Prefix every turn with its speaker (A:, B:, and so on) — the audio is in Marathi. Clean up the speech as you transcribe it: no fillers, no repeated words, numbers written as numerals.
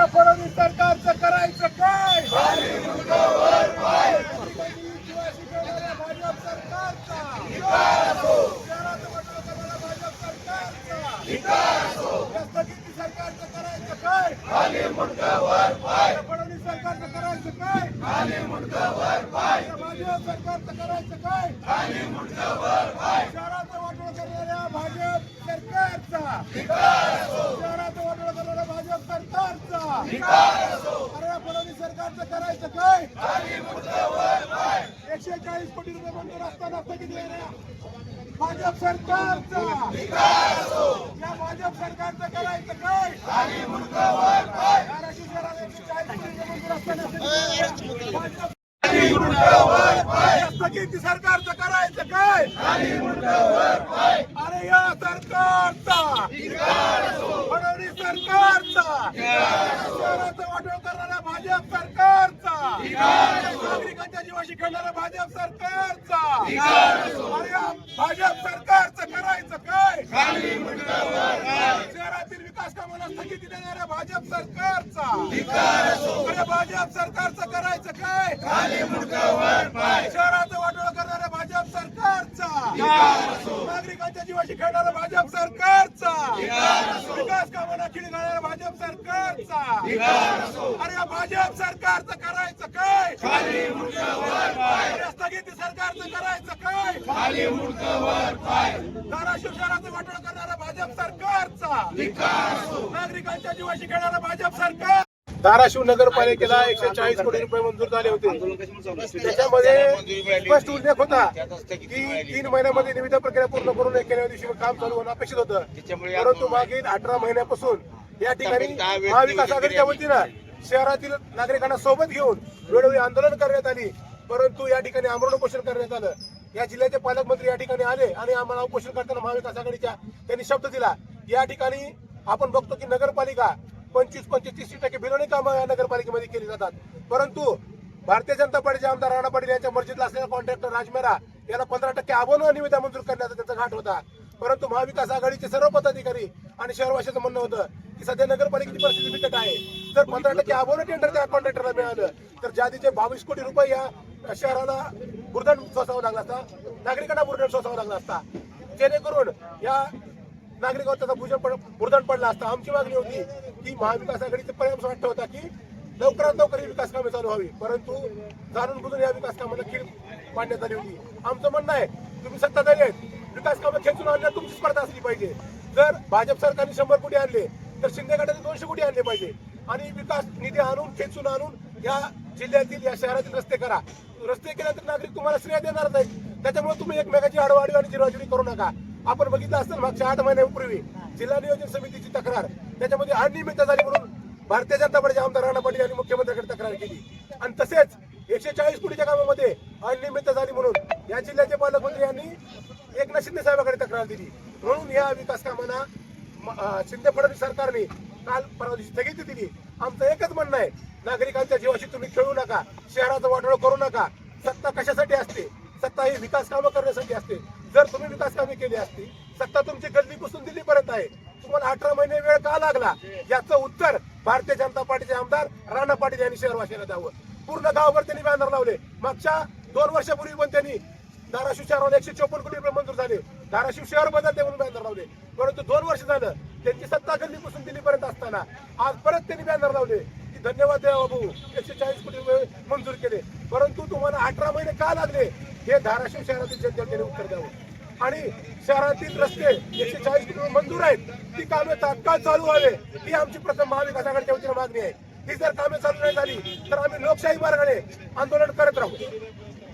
A: फडणवीस सरकारचं करायचं काय? भाजप सरकारचा शहरात वाटोळा करणाऱ्या भाजप सरकारचा स्थगिती सरकारचं करायचं काय? फडणवीस सरकारचं करायचं काय? भाजप सरकारचं करायचं काय? शहरात वाटोळा करणाऱ्या भाजप सरकारचा शहरात वाटोळा करणाऱ्या भाजप सरकारचा अरे फडणवीस सरकारचं करायचं काय? 140 कोटी रुपये मंजूर असताना स्थगित देणाऱ्या भाजप सरकारचा या भाजप सरकारचं करायचं काय? धाराशिव शहरात 140 कोटी रुपये मंजूर असताना भाजप स्थगिती सरकारचं करायचं काय? अरे या सरकारचा फडणवीस सरकारचा शहराचं वाटोळ करणाऱ्या भाजप सरकारचा नागरिकांच्या जीवाशी खेळणाऱ्या भाजप सरकारचा अरे या भाजप सरकारचं करायचं काय? शहरातील विकास कामाला स्थगिती देणाऱ्या भाजप सरकारचा अरे भाजप सरकारचं करायचं काय? शहराचं वाटोळा करणाऱ्या भाजप सरकारचा नागरिकांच्या जीवाशी खेळणाऱ्या भाजप सरकारचा विकास कामांना खिळी घालणाऱ्या भाजप सरकारचा अरे या भाजप सरकारचं करायचं काय? स्थगिती सरकारचं करायचं काय? धाराशिव शहराचं वाटोळा करणाऱ्या भाजप सरकारचा नागरिकांच्या जीवाशी खेळणाऱ्या भाजप सरकार धाराशिव नगरपालिकेला 140 कोटी रुपये मंजूर झाले होते. त्याच्यामध्ये स्पष्ट उल्लेख होता की 3 महिन्यामध्ये निविदा प्रक्रिया पूर्ण करून 91व्या दिवशी काम चालू होणं अपेक्षित होतं. परंतु मागील 18 महिन्यापासून या ठिकाणी महाविकास आघाडीच्या वतीनं शहरातील नागरिकांना सोबत घेऊन वेळोवेळी आंदोलन करण्यात आली. परंतु या ठिकाणी आमरण उपोषण करण्यात आलं. या जिल्ह्याचे पालकमंत्री या ठिकाणी आले आणि आम्हाला उपोषण करताना महाविकास आघाडीच्या त्यांनी शब्द दिला. या ठिकाणी आपण बघतो की नगरपालिका 25-30% बिलोणी कामं या नगरपालिकेमध्ये केली जातात. परंतु भारतीय जनता पार्टीचे आमदार राणा पाटील यांच्या मर्जीतला असलेला कॉन्ट्रॅक्टर राजमेरा याला 15% अबोन निविदा मंजूर करण्याचा त्यांचा घाट होता. परंतु महाविकास आघाडीचे सर्व पदाधिकारी आणि शहरवासियांचं म्हणणं होतं की सध्या नगरपालिकेची परिस्थिती बिकट आहे. जर 15% अबोन टेंडर त्या कॉन्ट्रॅक्टरला मिळालं तर जादीचे 22 कोटी रुपये या शहराला बुरदंड सोसावा लागला असता, नागरिकांना बुरदंड सोसावा लागला असता, जेणेकरून या नागरिकांवर त्याचा बुरदंड पडला असता. आमची मागणी होती की महाविकास आघाडीचे पर्याय वाटत होता की लवकरात लवकर विकास कामे चालू व्हावी. परंतु जाणून बुजून या विकास कामाला खीळ पाडण्यात आली होती. आमचं म्हणणं आहे तुम्ही सत्ताधारी आहेत, विकास कामं खेचून आणण्यात तुमची स्पर्धा असली पाहिजे. जर भाजप सरकारने 100 कोटी आणले तर शिंदे गटाने 200 कोटी आणले पाहिजे आणि विकास निधी आणून खेचून आणून या जिल्ह्यातील या शहरातील रस्ते करा. रस्ते केल्यानंतर नागरिक तुम्हाला श्रेय देणारच आहेत. त्याच्यामुळे तुम्ही एकमेकाची आडवाडी आणि जिरवाजिरी करू नका. आपण बघितलं असेल मागच्या 8 महिन्यांपूर्वी जिल्हा नियोजन समितीची तक्रार त्याच्यामध्ये अनियमितता झाली म्हणून भारतीय जनता पार्टीचे आमदार राणा पाटील यांनी मुख्यमंत्र्यांकडे तक्रार केली. आणि तसेच 140 कोटीच्या कामामध्ये अनियमितता झाली म्हणून या जिल्ह्याचे पालकमंत्री यांनी एकनाथ शिंदे साहेबांकडे तक्रार दिली. म्हणून या विकास कामांना शिंदे फडणवीस सरकारने काल परवा दिवशी स्थगिती दिली. आमचं एकच म्हणणं आहे, नागरिकांच्या जीवाशी तुम्ही खेळू नका, शहराचं वाटोळं करू नका. सत्ता कशासाठी असते? सत्ता ही विकास कामं करण्यासाठी असते. जर तुम्ही विकास कामे केली असती, सत्ता तुमची गल्लीपासून दिल्लीपर्यंत आहे, तुम्हाला 18 महिने वेळ का लागला? याचं उत्तर भारतीय जनता पार्टीचे आमदार राणा पाटील यांनी शहरवासियांना द्यावं. पूर्ण गावभर त्यांनी बॅनर लावले. मागच्या 2 वर्षापूर्वी पण त्यांनी धाराशिव शहराला 154 कोटी रुपये मंजूर झाले, धाराशिव शहर बदलते म्हणून बॅनर लावले. परंतु 2 वर्ष झालं त्यांची सत्ता गल्लीपासून दिल्लीपर्यंत असताना आज परत त्यांनी बॅनर लावले की धन्यवाद द्या बाबू, 140 कोटी रुपये मंजूर केले. परंतु तुम्हाला 18 महिने का लागले हे धाराशिव शहरातील जनतेने उत्तर द्यावं. आणि शहरातील रस्ते 140 कोटी रुपये मंजूर आहेत, ती कामे तात्काळ चालू व्हावे ही आमची प्रथम महाविकास आघाडीच्या वतीने मागणी आहे. ही जर कामे चालू नाही झाली तर आम्ही लोकशाही मार्गाने आंदोलन करत राहू.